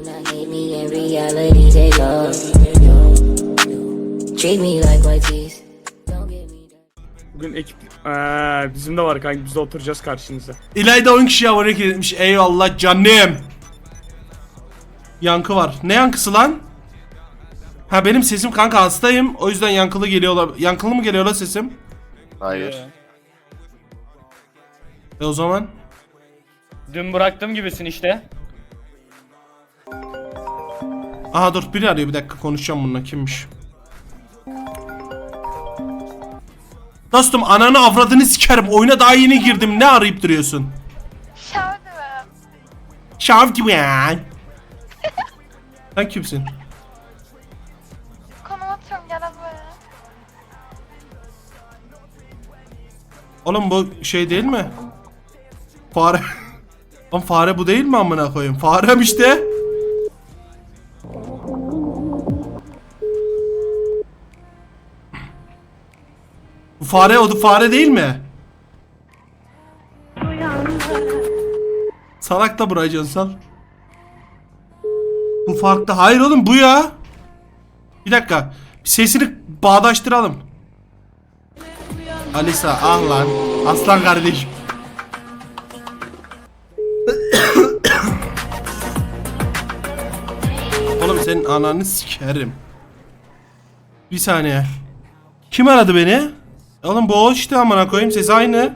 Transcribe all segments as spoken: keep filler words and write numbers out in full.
Bugün ekip ee, bizim de var kanka, biz de oturacağız karşınıza. İlayda on kişi abone etmiş. Eyvallah canım. Yankı var. Ne yankısı lan? Ha benim sesim kanka, hastayım. O yüzden yankılı geliyorlar. Yankılı mı geliyor la sesim? Hayır. E o zaman? Dün bıraktığım gibisin işte. Aha dur, biri arıyor, bir dakika konuşacağım bununla, kimmiş? Dostum ananı avradını sikerim, oyuna daha yeni girdim, ne arayıp duruyorsun? Şavdım. Şav gibi ya. Sen kimsin? Konum atıyorum, gel buraya. Oğlum bu şey değil mi? Fare. Lan fare bu değil mi amına koyayım? Farem işte. Bu fare, o da fare değil mi? Salak da buraya cansal. Bu farklı. Hayır oğlum bu ya. Bir dakika. Bir sesini bağdaştıralım. Alisa ah lan. Aslan kardeşim. Oğlum senin ananı sikerim. Bir saniye. Kim aradı beni? Oğlum bu o işte, amına koyayım, sesi aynı.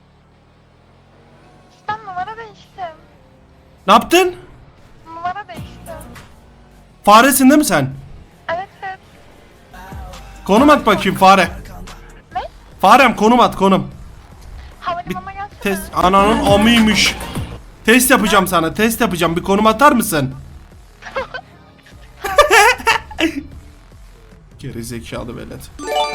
Ben numara değiştim. Ne yaptın? Numara değiştim. Faresin değil mi sen? Evet evet. Konum at bakayım fare. Ne? Farem konum at, konum. Havalimanına gelsene. Test ananın amıymış. Test yapacağım sana, test yapacağım, bir konum atar mısın? Geri zekalı velet.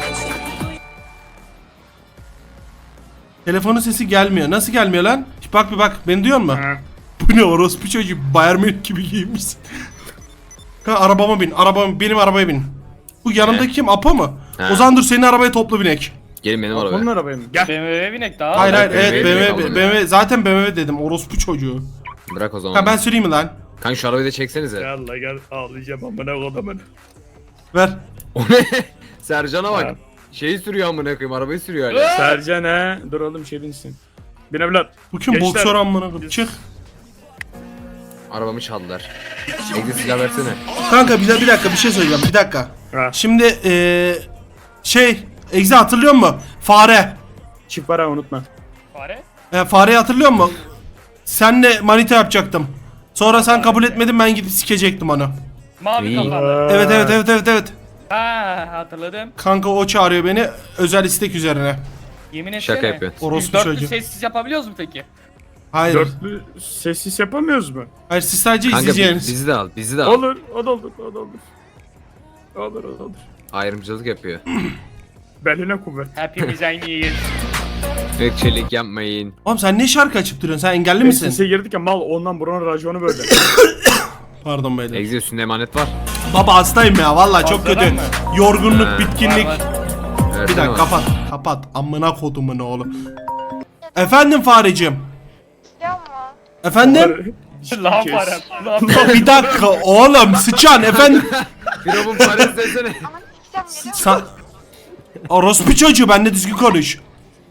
Telefonun sesi gelmiyor. Nasıl gelmiyor lan? Bak bir bak, beni duyuyor musun? Ha. Bu ne orospu çocuğu, Bayern Münih gibi giymişsin. Ha, arabama bin, arabama, benim arabaya bin. Bu yanımdaki kim? Apo mu? Ha. O zaman dur, senin arabaya toplu binek. Gelin benim Onun arabaya. arabaya mı? Gel. B M W'ye binek daha. Hayır hayır, B M W evet binek B M W, aldım B M W, ya. zaten B M W dedim, orospu çocuğu. Bırak o zaman. Ha ben süreyim mi lan? Kanka şu arabayı da çeksenize. Gel la gel, ağlayacağım amına kodumun. Ver. O ne? Sercan'a bak. Ha. Şeyi sürüyor amına koyayım, arabayı sürüyor hala. Sercan he. Dur oğlum, şey binsin. Bin evlat. Bu kim? Gençler, Boksör amına koyayım. biz- Çık. Arabamı çaldılar. Egzi silah versene. Kanka bir, bir dakika bir şey söyleyeceğim, bir dakika. Ha. Şimdi eee şey, Egzi hatırlıyor musun? Fare. Çift para unutma. Fare. E, fareyi hatırlıyor musun? Senle manita yapacaktım. Sonra sen kabul etmedin, ben gidip sikecektim onu. Mavi İyi. kafalı. Evet evet evet evet evet. Ha hatırladım. Kanka o çağırıyor beni özel istek üzerine. Yemin etsene. Şaka yapıyorsun. Orospu Biz dörtlü çocuğu. sessiz yapabiliyoruz mu peki? Hayır. Dörtlü sessiz yapamıyoruz mu? Hayır, siz sadece Kanka bi- izleyeceğiniz. bizi de al, bizi de al. Olur, o da olur, o da olur. Olur, o da olur. Ayrımcılık yapıyor. Beline kuvvet. Hepimiz aynıyız. Ökçelik yapmayın. Oğlum sen ne şarkı açıp duruyorsun? Sen engelli misin? Sese girdik ya mal, ondan buranın raconu böyle. Pardon beyler. Egzi üstünde emanet var. Baba hastayım ya, vallahi çok Fazladan kötü. mı? Yorgunluk, Ha. bitkinlik. Var, var. Bir Versene dakika bana. kapat. Kapat. Amına kodumun oğlu. Efendim fareciğim. Ya mı? Efendim? Lan Kes. fare. Lan Bir dakika oğlum, sıçan efendim. Firavun parası desene. Ama sikeceğim, geliyor musun? Sa Orospu çocuğu, benimle düzgün konuş.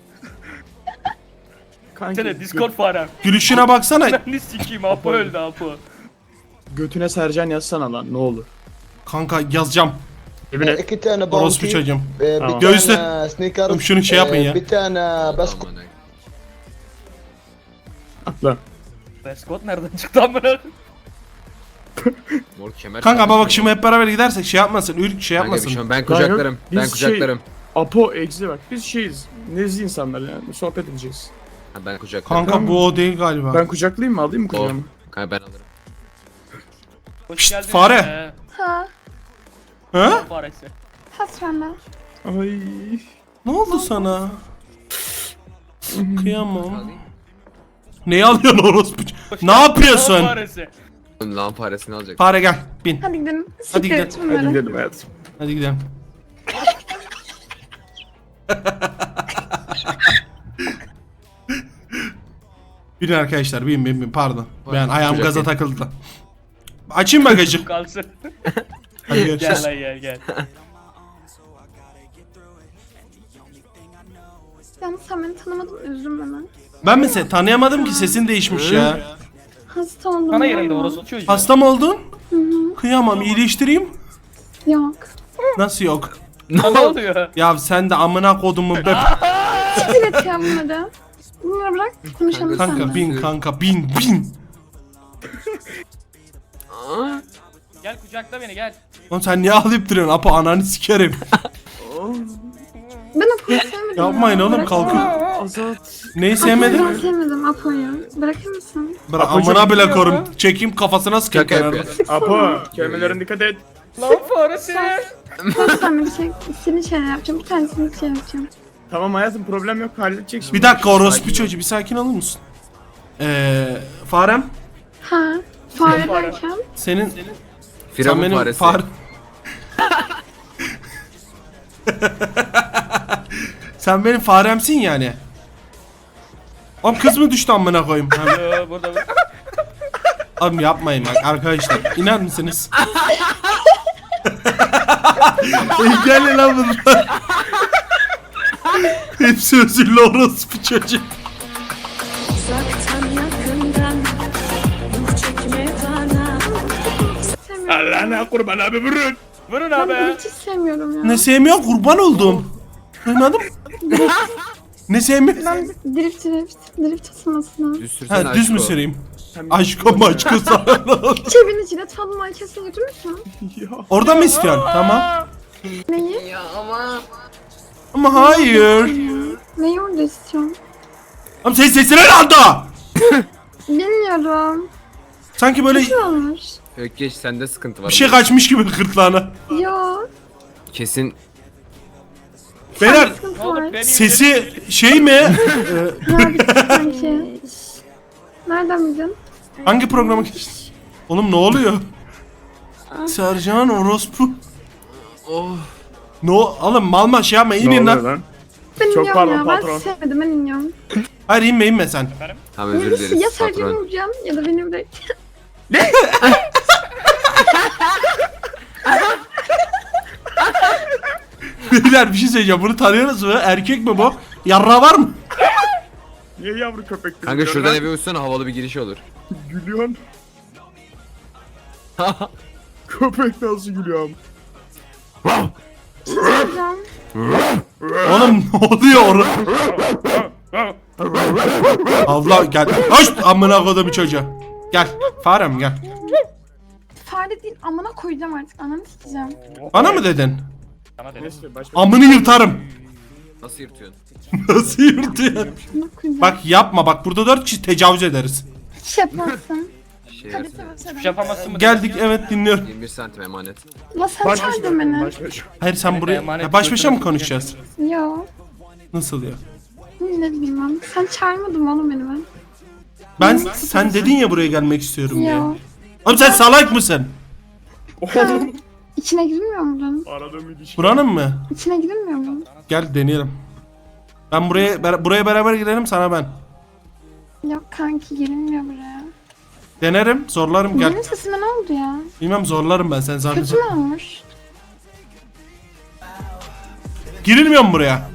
Kanka, fare. Discord farem. Gülüşüne baksana. Ne sikeyim, Apo öldü Apo. götüne Sercan yazsana lan, ne olur. Kanka yazacağım. Evine. iki tane Orospu bounty, çocuğum. e, Tamam. bir Göğüsle. tane sneakers, Oğlum şunu şey yapın e, ya. bir tane baskı. Aman Allah'ım. Atla. Scott nereden çıktı amına? Mor kemer. Kanka ama bak takmış şimdi hep beraber gidersek şey yapmasın. Ürk şey Kanka bir yapmasın. şey olmaz. Ben kucaklarım. Biz Ben şey- kucaklarım. Apo, Egzi bak. Biz şeyiz. Nezih insanlar yani. Sohbet edeceğiz. Ha, ben kucaklarım. Kanka bu o değil galiba. Ben kucaklayayım mı? Alayım mı O. kucağıma? Kanka ben alırım. Hoş Pişt, geldin. fare. Ee, Ha, Ha? faresi. hasranda. Ay. Ne oldu sana? Kıyamam. Neyi alıyorsun orospu? Ne yapıyorsun? Faresi. Lan paresini alacak. Fare gel, bin. Hadi gidelim. Hadi gidelim. Siktir Hadi bunları. gidelim hayatım. Hadi gidelim. Bin arkadaşlar, bin bin bin, pardon. Ben ayağım gaza Kucak takıldı. Açayım bagajı. Kalsın. Hadi Gel görüşürüz. lan gel gel. Yalnız sen beni tanımadın, üzülme bana. Ben mi seni tanıyamadım ki, sesin değişmiş ya. Hasta oldum. Bana var yerinde mı? orası çocuğu. Hasta mı oldun? Hı hı. Kıyamam, iyileştireyim. Yok. Nasıl yok? Ne oluyor? Ya sen de amına kodumu be. Siktir et ya bunları. Bunları bırak, konuşalım Kanka, Kanka seninle. bin kanka bin bin. Gel kucakla beni gel. Oğlum sen niye ağlayıp duruyorsun? Apo ananı sikerim. Ben Apo'yu sevmedim. Yapmayın ya. oğlum, Bırak kalkın. ya. Azat. Neyi Apo'yu sevmedin? ben sevmedim Apo'yu. Bırakır mısın? Bırak Apo çok amına bile biliyor korum. ya. Çekeyim kafasına sıkayım Şaka kenarda. yapıyor. Apo. Kelimelerine dikkat et. Lan faresi. Kaç tane bir şey, senin şeyler yapacağım, bir tanesini şey yapacağım. Tamam hayatım, problem yok, halledecek şimdi. Bir dakika orospu Sakin ol. çocuğu, bir sakin olur musun? Eee farem Ha, fare derken? senin sen Firavun benim faresi. far Sen benim faremsin yani. Oğlum kız mı düştü amına koyayım? Ha, Yo, burada burada. Oğlum yapmayın bak arkadaşlar. İner misiniz? Gelin lan bunlar. Hepsi özürlü orospu çocuk. Uzaktan yakından ruh çekme bana. Sevmiyorum. Allah'ına kurban abi, vurun. Vurun Ben abi. bunu hiç sevmiyorum ya. Ne sevmiyor, kurban oldum. Duymadım. Ne sevmiyor? Ben drift drift, drift ısınmasına. Düz sürsene Ha düz mü aşko. süreyim? Aşko maçko sana. Cebine cilet falan kesin götürür müsün? Ya. Orada mı istiyorsun? Tamam. Neyi? Ama hayır. Neyi orada istiyorsun? Ama ses sesine ne anda? Bilmiyorum. Sanki böyle Ne olmuş? Ökkeş sende sıkıntı var. bir şey kaçmış gibi gırtlağına. Yo. Kesin Beyler Sıkıntı Ne olur var. beni sesi şey mi? Ee, Ha bir şey sanki. Nereden bildin? Hangi programa geçtin? Oğlum ne oluyor? Sercan orospu. oh. No, oğlum malma şey yapma, Ne inin oluyor lan. lan? Ben Çok iniyorum pardon, ya. patron. Ben sevmedim, ben iniyorum. Hayır inme inme sen. Tamam özür Birisi ya dileriz Sercan'ı patron. vuracağım ya da beni bırak. Beyler bir şey söyleyeceğim, bunu tanıyorsunuz mu? Erkek mi bu? Yarra var mı? Niye yavru köpek? Kanka şuradan eve uçsana, havalı bir giriş olur. Gülüyorsun. Köpek nasıl gülüyor? Sercan. Oğlum ne oluyor orada? Abla gel. Hoş amına koydum çocuğa. Gel. Farem gel. Fare değil, amına koyacağım artık. Ananı sikeceğim. Bana mı dedin? Sana dedim. Neyse başka. Amını yırtarım. Nasıl yırtıyorsun? Nasıl yırtıyor? Amına koyacağım. Bak yapma bak, burada dört kişi tecavüz ederiz. Hiç yapmazsın. Şey Hadi yersin. söyle Hiçbir söyle. şey yapamazsın mı? Geldik evet dinliyorum. yirmi bir santim emanet. La sen Baş başa. çağırdın beni. Baş başa. Hayır sen Evet, buraya emanet ya baş başa mı götürüp- konuşacağız? Yo. Nasıl ya? Ne bilmem. Sen çağırmadın mı oğlum beni ben? Ben sen dedin ya buraya gelmek istiyorum diye. Yo. Oğlum sen salak mısın? Oğlum. İçine girilmiyor mu bunun? Aradığım ilişki. Buranın mı? İçine girilmiyor mu? Gel deneyelim. Ben buraya ber- buraya beraber girelim, sana ben. Yok kanki, girilmiyor buraya. Denerim, zorlarım gel. Benim sesime ne oldu ya? Bilmem zorlarım ben sen sadece. Kötü mü olmuş? Girilmiyor mu buraya?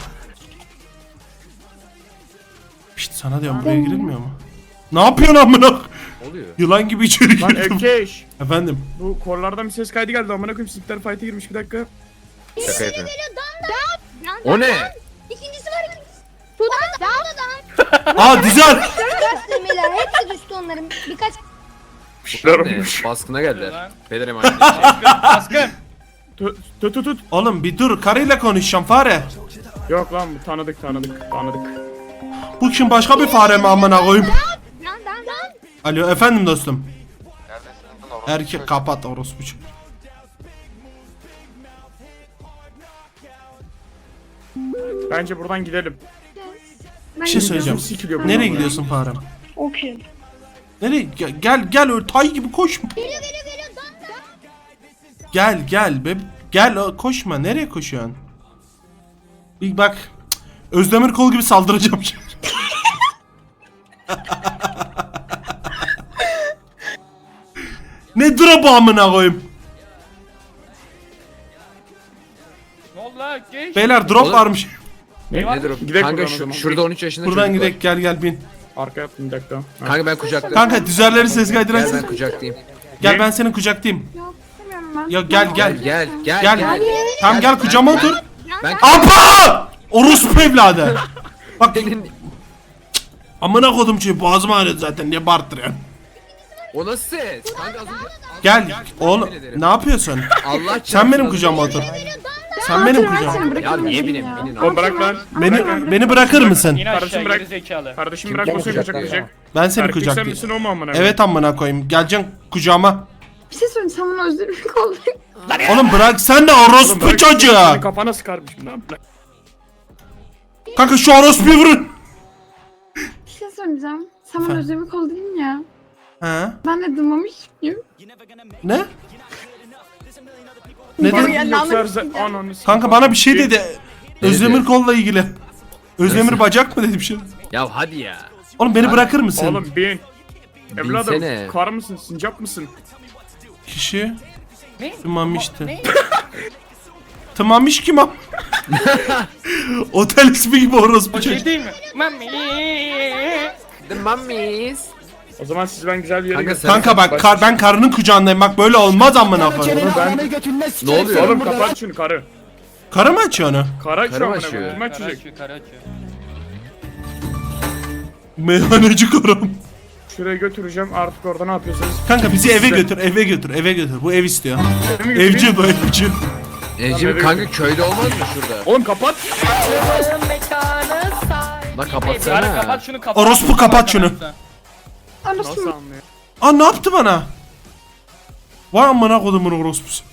Şşt sana diyorum, buraya Deniyorum. girilmiyor mu? Ne yapıyorsun amına? Oluyor. Yılan gibi içeri Lan girdim. Ökkeş. Efendim. Bu korlardan bir ses kaydı geldi, amına koyayım, sikler fight'e girmiş, bir dakika. Şaka yapıyorum. O ne? İkincisi var. Sudan da da Aa güzel. demeler hepsi düştü onların. Birkaç Bunlar Ne? olmuş. Baskına geldiler. Beyler emanet. Baskın. Tut tut tut. tut. Oğlum bir dur, karıyla konuşacağım fare. Yok lan, bu tanıdık tanıdık tanıdık. Bu kim, başka bir fare mi amına koyayım? lan lan lan. Alo efendim dostum. Erkek kapat orospu çocuğu. Bence buradan gidelim. Ben Bir şey söyleyeceğim. Sikiliyor bu Nereye adamlar. gidiyorsun farem? Okey. Nereye? Gel gel, gel öyle tay gibi koşma. Geliyor geliyor geliyor. Dan dan. Gel gel be. Gel o- koşma. Nereye koşuyorsun? Bir bak. Cık, Özdemir kol gibi saldıracağım şimdi. Ne drop amına koyayım. Ne oldu lan Ökkeş? Beyler drop Oğlum. varmış. Ne? Nedir o? Gidek Kanka buradan o şu, zaman. şurada on üç yaşında Buradan çocuk var. gidelim, gel gel bin. Arka yaptım bir dakika. Ha. Kanka ben kucaklayayım. Kanka düzerleri ses Gel kaydırarsın. ben kucaklayayım. Gel ben senin kucaklayayım. Yok istemiyorum ben. Ya gel gel. Gel gel Gel. gel. Tamam gel kucağıma otur. Ben Apa! Orospu evladı. Bak senin... amına kodum çünkü boğazım ağrıyor zaten, niye bağırtırıyorsun? O nasıl ses? Kanka az önce... Gel oğlum, ne yapıyorsun? Allah Sen çarpsın, benim az kucağıma önce- otur. Sen benim Ben kucağıma. seni Ya bırakırım niye dedim bineyim? ya. Binin Oğlum bırak lan. Beni beni bırakır mısın? İn aşağı Kardeşim bırak. geri zekalı. Kardeşim Kim bırak o seni kucaklayacak? kucaklayacak. Ben seni Erkek sen kucaklayayım. misin o mu amına? Evet amına koyayım. Geleceksin kucağıma. Bir şey söyleyeyim sen bana özür dilerim kaldık. Oğlum bırak sen de Oğlum orospu bırak, çocuğu. seni kafana sıkarmışım lan. Bırak. Kanka şu orospuyu vurun. Bir şey söyleyeceğim. Sen bana Efendim? özür dilerim kal dedin ya. Ha? Ben de duymamış mıyım? Ne? Ne Bana dedi? Ya, yoksa anlamış her- ananı s- Kanka bana bir şey dedi. Ne Özdemir dedi? kolla ilgili. Özdemir bacak mı dedi bir şey? Ya hadi ya. Oğlum beni bırakır mısın? Oğlum bin. Evladım Binsene. kar mısın sincap mısın? Kişi Ne? tımamıştı. Tımamış kim o? Otel ismi gibi orospu O şey çocuk. değil mi? Mami. The mummies. O zaman siz ben güzel bir yere Kanka götüreyim. Kanka bak kar, ben karının kucağındayım, bak böyle olmaz amına koyayım. Ben... Ne oluyor? Oğlum kapat şunu karı. Karı mı açıyor onu? Kara Karı şu amına açıyor. koyayım. Kim Kara açacak? açıyor, kara açıyor. Meyhaneci karım. Şuraya götüreceğim artık orada ne yapıyorsanız. Kanka bizi eve Size- götür, eve götür, eve götür. Bu ev istiyor. Eve mi götüreyim? Evci bu evci. Ecim kanka köyde olmaz mı şurada? Oğlum kapat. Lan Kara kapatsana. kapat şunu kapat. Orospu kapat şunu. Nasıl Anlasın. anlıyor? Aa ne yaptı bana? Vay amına kodumun orospusu.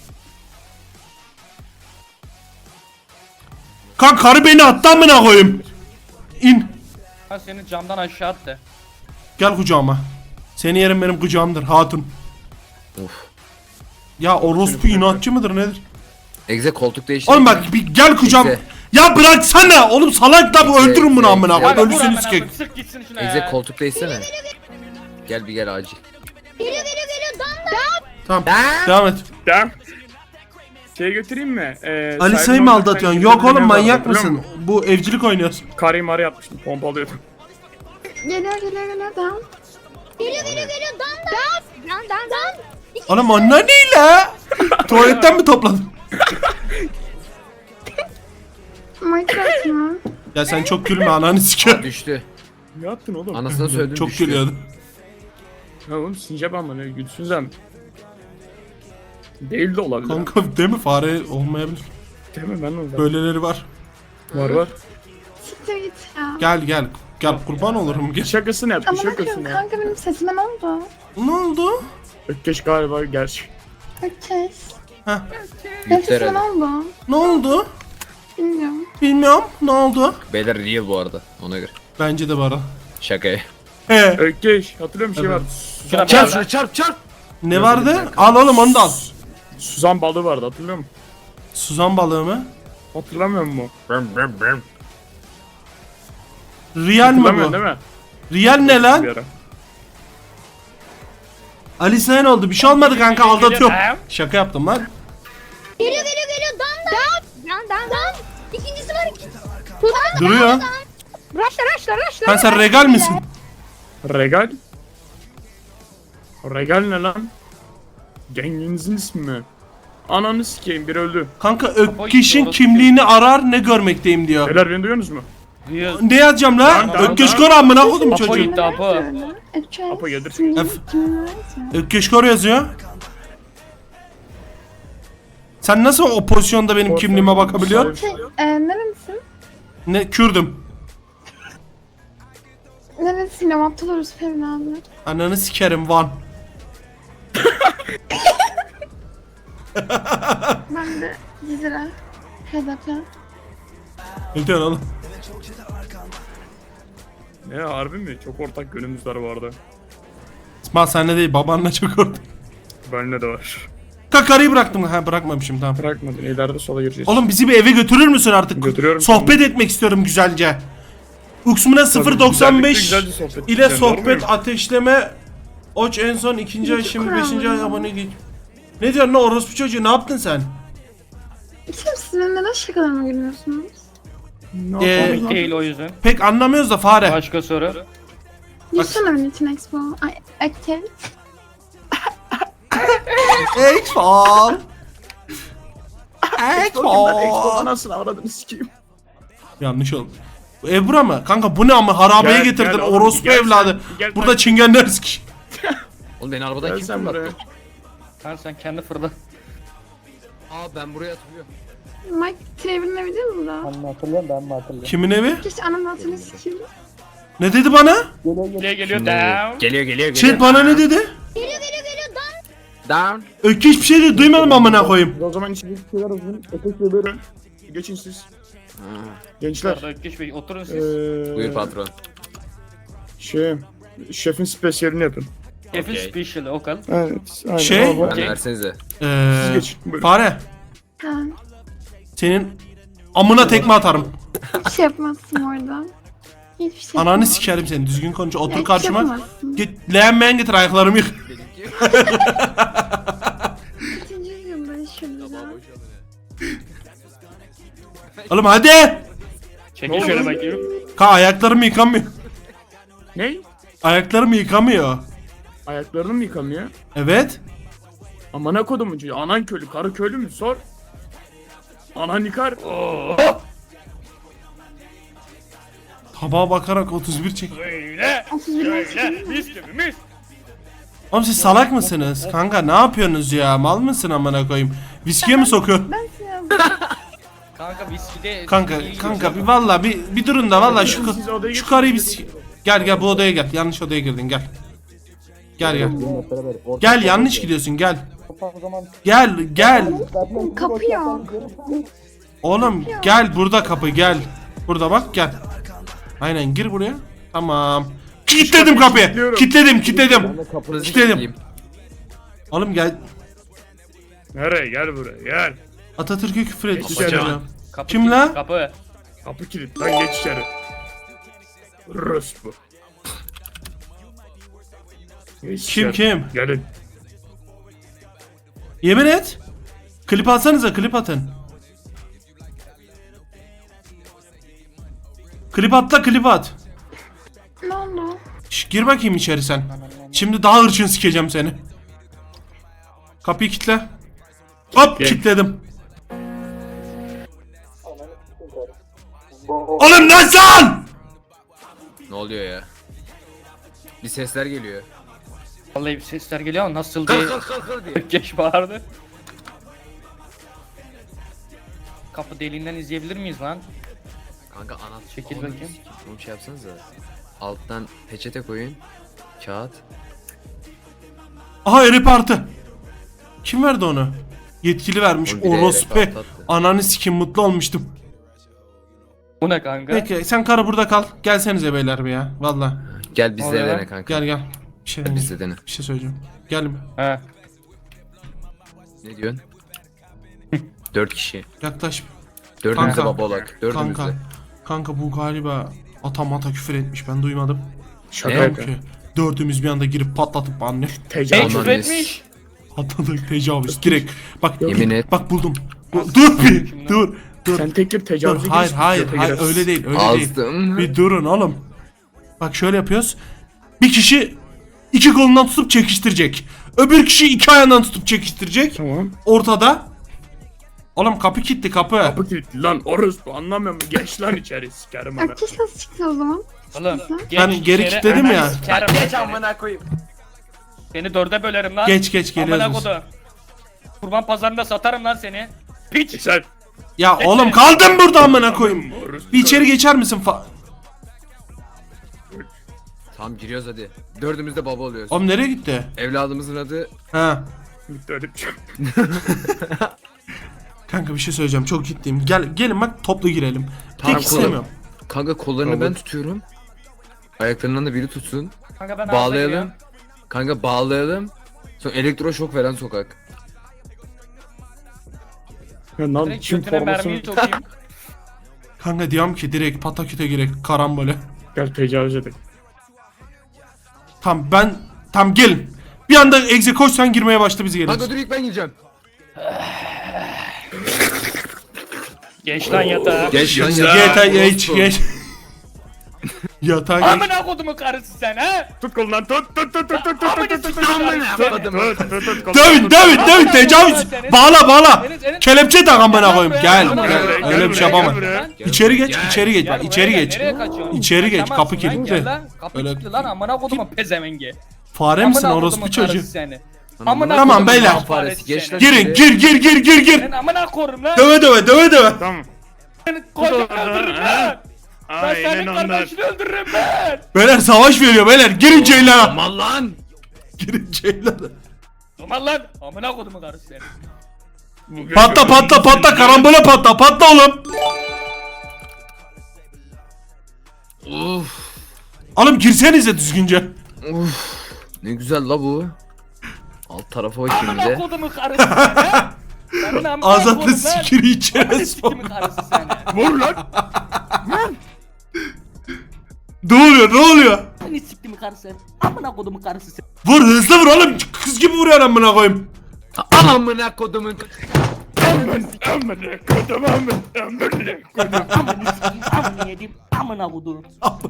Kanka karı beni attı amına koyayım. İn. Ha seni camdan aşağı attı. Gel kucağıma. Seni yerim benim kucağımdır hatun. Of. Ya orospu inatçı mıdır nedir? Egze koltuk değişti. Oğlum bak bir gel kucağım. Neyse. Ya bıraksana oğlum, salak da bu, Neyse, öldürün bunu neyse. amına Ya koyayım. Kanka vur Ölüsünü amına sikeyim. koyayım, sık gitsin şuna Egze ya. koltuk değişsene. Gel bir gel acil. Geliyor geliyor geliyor dan dan. Tamam devam et. Tamam. Şeye götüreyim mi? Ee, Alisa'yı sahibin mı orada aldatıyorsun? sen Yok gidip oğlum ne manyak vardı, biliyor mısın? musun? Bu evcilik oynuyorsun. Karıyı marı yapmıştım pompalıyordum. Geliyor geliyor geliyor tamam. Geliyor geliyor geliyor dan dan. Dan dan dan. Oğlum onlar ne la? Tuvaletten mi topladın? Minecraft mı? Ya sen çok gülme, ananı siker. Düştü. Ne yaptın oğlum? Anasına söyledim Çok düştü. gülüyordu. Ya oğlum sincap ama ne gülsün sen. Değil de olabilir. Kanka değil mi, fare olmayabilir. Değil mi ben olacağım. Böyleleri var. Var var. Siktir git ya. Gel gel. Gel kurban olurum gel. Şakasını yap, Ama şakasını bakıyorum yap. kanka benim sesime ne oldu? Ne oldu? Ökkeş galiba gerçek. Ökkeş. Heh. Benim Büyükler sesime ne herhalde. oldu? Ne oldu? Bilmiyorum. Bilmiyorum. Ne oldu? Beyler real bu arada ona göre. Bence de bana. Şaka. He. Ökkeş hatırlıyor musun şey Evet. vardı? Şuna Çarp bak. şunu çarp çarp. Ne vardı? Al oğlum onu da al. Suzan balığı vardı hatırlıyor musun? Suzan balığı mı? Hatırlamıyor musun? Real mi Hatırlamıyorsun bu? değil mi? Real ne Bir lan? ara. Alice'e ne oldu? Bir şey olmadı kanka, aldatıyorum. Şaka yaptım lan. Geliyor geliyor geliyor dan dan. Dan dan dan. İkincisi var ikincisi. Dan Duruyor. Raşla raşla raşla. Sen sen regal misin? Regal? Regal ne lan? Genginizin ismi mi? Ananı sikeyim biri öldü. Kanka Ökkeş'in kimliğini arar ne görmekteyim diyor. Beyler beni duyuyorsunuz mu? Duyuyor. Ne yazacağım Lan, la? lan, Ökkeş lan. kor amına kodum Apo çocuğu. gitti Apo. Ökkeş. Apo gelir. Kimin Ef- kimin öğrenci? Ökkeş kor yazıyor. Sen nasıl o pozisyonda benim kimliğime bakabiliyorsun? Şey, e, nerelisin? Ne Kürdüm. Nerelisin? Bilmiyorum aptal orası Fevni abi. Ananı sikerim Van. Ben de Cizre. H D P. Ne diyorsun oğlum? Ne harbi mi? Çok ortak yönümüz var bu arada. İsmail senle değil, babanla çok orada. Benimle de var. Kakarıyı bıraktım. Ha bırakmamışım, tamam. Bırakmadın ileride sola gireceğiz. Oğlum bizi bir eve götürür müsün artık? Götürüyorum Sohbet şimdi. etmek istiyorum güzelce. Uksumuna Tabii, sıfır doksan beş güzellikle güzelce sohbet ile edeceğim, doğru sohbet muyum? ateşleme Oç en son ikinci ay İki şimdi kural beşinci var ay ya. abone değil. Ne diyorsun lan orospu çocuğu, ne yaptın sen? Şimdi siz benim neden şakalarıma gülüyorsunuz? Ne Ee, yapalım lan? Değil o yüzden. Pek anlamıyoruz da fare. Başka soru. Gülsene benim için Expo. Ay, aktif. Ekfal. Ben Expo Ekfal. anasını avradını sikeyim. Yanlış oldu. Bu Ebru mu? Kanka bu ne ama harabeye Gel, getirdin gel oğlum, orospu gel sen, evladı. gel Burada sen. çingenler sik. Oğlum beni arabadan Gel kim sen buraya. fırlattı? Sen sen kendi fırla. Aa ben buraya atılıyorum. Mike Trevor'ın evi değil mi burada? Kimin evi? Keşke anamın hatırını sikeyim. Ne dedi bana? Geliyor geliyor Şimdi- down. Geliyor geliyor geliyor. Chat bana ne dedi? Geliyor geliyor geliyor. Down. Öykü hiçbir şey de duymadım amına koyayım. O zaman içindeki şeyler hazırlayın. Ötekle böyle. Geçin siz. Gençler. Arada Ökkeş Bey oturun siz. Eee... Buyur patron. Şey... Şefin spesiyelini yapın. Şefin okey. special o kal. Evet. Aynen. Şey- Al bak. Bana versenize. Siz Ee, geçin. Buyurun. fare. Ha, Senin amına tekme atarım. hiçbir şey yapmazsın orada. Hiçbir şey Ananı yapamazsın. sikerim seni. Düzgün konuş. Ya, Otur hiçbir şey karşıma. yapamazsın. Git leğenmeyen getir ayaklarımı yık. Kaçıncı yüzyılda yaşıyoruz ya? Oğlum hadi. Çekil şöyle bakayım. Ka ayaklarımı yıkamıyor. Ne? Ayaklarımı yıkamıyor. Ayaklarını mı yıkamıyor? Evet. Amına kodumun çocuğu. Anan köylü, karı köylü mü? Sor. Anan yıkar. Tabağa bakarak otuz bir çek. Böyle. otuz bir Böyle. yaşındayım. Mis gibi mis. Oğlum siz salak mısınız? Kanka ne yapıyorsunuz ya? Mal mısın amına koyayım? Viskiye mi sokuyorsun? Ben size Kanka viskide. Kanka iyi kanka geçiyor. bir valla bir bir durun da valla şu Siz odaya şu geçin. karıyı bir s- gel gel bu odaya gel. Yanlış odaya girdin gel. Gel gel. Gel yanlış gidiyorsun gel. Gel gel. kapı yok. Oğlum gel burada kapı gel. Burada bak gel. Aynen gir buraya. Tamam. Kilitledim kapıyı. kilitliyorum. Kilitledim kilitledim. Kapınızı Kilitledim. kilitleyeyim. Oğlum gel. Nereye? Gel buraya. Gel. Atatürk'e küfür et. Geçeceğim. isteyeceğim. Kapı Kim kilit, lan? Kapı. Kapı kilit. Lan geç içeri. Rus bu. Geç Kim içeri. kim? Gelin. Yemin et. Klip atsanıza klip atın. Klip at da klip at. Ne oldu? Şş, gir bakayım içeri sen. Şimdi daha hırçın sikeceğim seni. Kapıyı kitle. Hop Gel. kilitledim. Oğlum nasıl? Ne oluyor ya? Bir sesler geliyor. Vallahi bir sesler geliyor ama nasıl diye. Kalk kalk kalk kalk diye. Ökkeş bağırdı. Kapı deliğinden izleyebilir miyiz lan? Kanka anahtar. Çekil Oğlum, bakayım. Oğlum şey yapsanıza. Alttan peçete koyun. Kağıt. Aha eri partı. Kim verdi onu? Yetkili vermiş. Oğlum, bir de Orospu. eri partı attı. Ananı sikim mutlu olmuştum. Bu ne kanka? Peki sen karı burada kal. Gelsenize beyler bir ya. Valla. Gel bizle Oluyor. dene kanka. Gel gel. Bir şey, Gel bizle dene. bir şey söyleyeceğim. Gel mi? He. Ne diyorsun? Dört kişi. Yaklaş. Dördümüzde Kanka. baba olak. Dördümüzde. Kanka. Kanka bu galiba atamata küfür etmiş. Ben duymadım. Şaka Ne? yapıyor. Ki dördümüz bir anda girip patlatıp anne. Hey Tecavüz. Aman küfür neyse. etmiş. Atladık tecavüz direkt. Bak Yemin et. Bak buldum. Bu- dur bir dur. Dur. Sen tek bir Dur. tecavüze Hayır girişsin, hayır göte hayır girersin. öyle değil öyle değil. Azdım. Bir durun oğlum. Bak şöyle yapıyoruz. Bir kişi iki kolundan tutup çekiştirecek. Öbür kişi iki ayağından tutup çekiştirecek. Tamam. Ortada. Oğlum kapı kilitli kapı. Kapı kilitli lan orospu anlamıyor musun? Geç lan içeri sikerim ana. Aktif nasıl çıktı o zaman? Oğlum. Ben geç geri içeri, kilitledim hemen ya. sikerim Geç amına koyayım. Seni dörde bölerim lan. Geç geç Amına geliyoruz. kodu. Kurban pazarında satarım lan seni. Piç. Güzel. Ya oğlum kaldım burada amına koyayım. Bir içeri geçer misin fa... Tamam giriyoruz hadi. Dördümüzde baba oluyoruz. Oğlum nereye gitti? Evladımızın adı Ha. Bitti öyle bir şey. Kanka bir şey söyleyeceğim çok ciddiyim. Gel gelin bak toplu girelim. Tamam, Tek kolum. istemiyorum. Kanka kollarını Kabul. ben tutuyorum. Ayaklarından da biri tutsun. Kanka ben Bağlayalım. Kanka bağlayalım. Sonra elektroşok veren sokak. Ya lan Direkt Çin götüne mermiyi formasını sokayım. Kanka diyorum ki direkt pataküte girek karambole. gel tecavüz edelim. Tamam ben Tamam gelin. Bir anda egze koşsan girmeye başla bizi Kanka geliriz. dur ilk ben gireceğim. Geç lan yatağa. Geç lan Yatağa geç geç. Yatağa geç. Amına kodumun karısı sen ha? Tut kolundan tut tut tut tut tut tut Amına tut tut sikeyim tut karısı. tut tut tut kolundan Dövün tut. dövün dövün tecavüz. Bağla bağla. Senin- senin- Kelepçe tak amına koyayım. Gel Gel gel. buraya, Öyle bir şey gel yapamam. buraya. İçeri geç Gel. içeri geç. Gel Bak buraya içeri gel, geç. nereye kaçıyorsun? İçeri geç, Kaçamazsın kapı lan, kilitli. gel lan. Kapı Öyle- kilitli lan amına kodumun pezevengi. Fare misin Amına orospu kodumun çocuğu? karısı seni. Amına Tamam, kodumun beyler. faresi Faresi, geç seni. lan. Girin gir gir gir gir gir. Ben amına korum lan. Döve döve döve döve. Tamam. Seni koyacağım öldürürüm lan. Ben Aynen senin onlar. kardeşini öldürürüm ben. Beyler savaş veriyor beyler. Girin ceylana. Aman lan. Girin ceylana. Aman lan. Amına kodumun karısı seni. Bugün- Patla patla patla karambole patla patla oğlum. Uf. Oğlum girsenize düzgünce. Uf. Ne güzel la bu. Alt tarafa bakayım bir Amına de. kodumun karısı seni ha. Senin amına Azatlı korum lan. sikiri Amına içeri sikimin karısı seni. Vur lan. Ne oluyor ne oluyor? Seni sikimin karısı seni. Amına kodumun karısı seni. Vur hızlı vur oğlum. Kız gibi vuruyor amına koyayım. Amına kodumun. Aman aman kodum aman aman kodum. Amına sikeyim. Amına yedim. Amına kodum.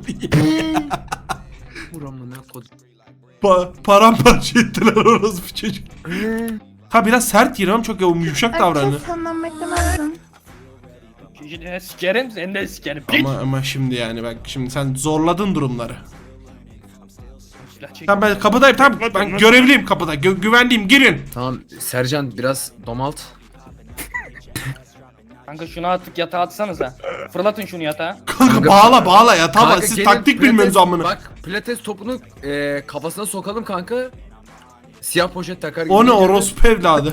Vur amına kodum. Pa paramparça ettiler orası bir çocuk. Ha biraz sert gir ama çok yumuşak davranıyor. Herkes senden beklemezdim. Şimdi sikerim seni de sikerim. Piç. Ama ama şimdi yani bak şimdi sen zorladın durumları. Silah çek. Tamam ben kapıdayım tamam ben görevliyim kapıda gü- güvenliyim girin. Tamam Sercan biraz domalt. Kanka şunu artık yatağa atsanıza. Fırlatın şunu yatağa. Kanka Kanka- bağla bağla ya tamam Kanka siz gelin, taktik pilates- bilmiyorsunuz amına. Bak pilates topunu e, kafasına sokalım kanka. Siyah poşet takar gibi. O ne geliyor. orospu evladı.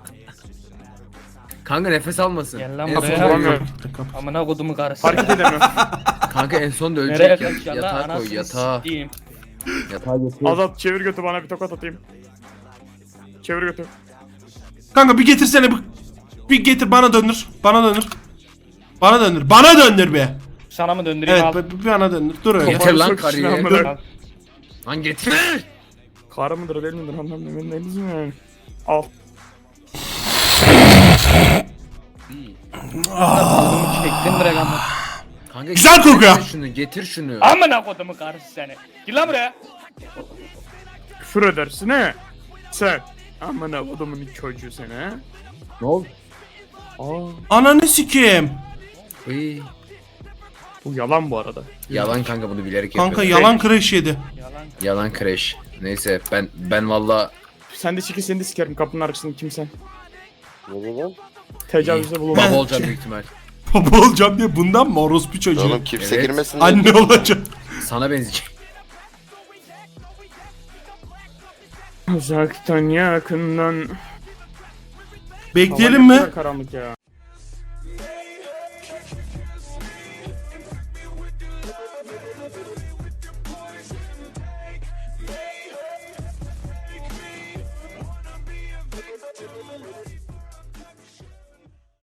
Kanka nefes almasın. Gel lan En buraya. son Bulamıyorum. Amına kodumun karısı. Hareket edemiyorum. Kanka en son da Nereye ölecek ya. kaçacaksın lan? Yatağa koy Anasını yatağa. sikeyim. Yatağa götür. Azat çevir götü bana bir tokat atayım. Çevir götü. Kanka bir getirsene bir, bir getir bana döndür. Bana döndür. Bana döndür. Bana döndür be. Sana mı döndüreyim Evet al. bir, bir bana döndür. Dur öyle. Getir lan Sok karıyı. içine Dur. amına. Lan getir. Karı mıdır değil midir anlamıyorum. Ben de bizim yani. Al. Çektim direkt amına. Kanka Güzel getir kokuyor. Şunu getir şunu. Amına kodumun karısı seni. Gel lan buraya. Küfür edersin he. Sen. Amına kodumun çocuğu sen he. Ne oldu? Aa. Ananı sikeyim. Uy. Bu yalan bu arada. Yalan kanka bunu bilerek Kanka yapıyorum. yalan crash yedi. Yalan. Yalan crash. Neyse ben ben valla Sen de çekil seni de sikerim kapının arkasında kimsen. Tecavüzde bulunma. baba olacağım büyük ihtimal. Baba olacağım diye bundan mı orospu çocuğu? Oğlum kimse Evet. girmesin diye. Anne olacak. Sana benzeyecek. Uzaktan yakından. Bekleyelim Hava ne mi? kadar karanlık ya.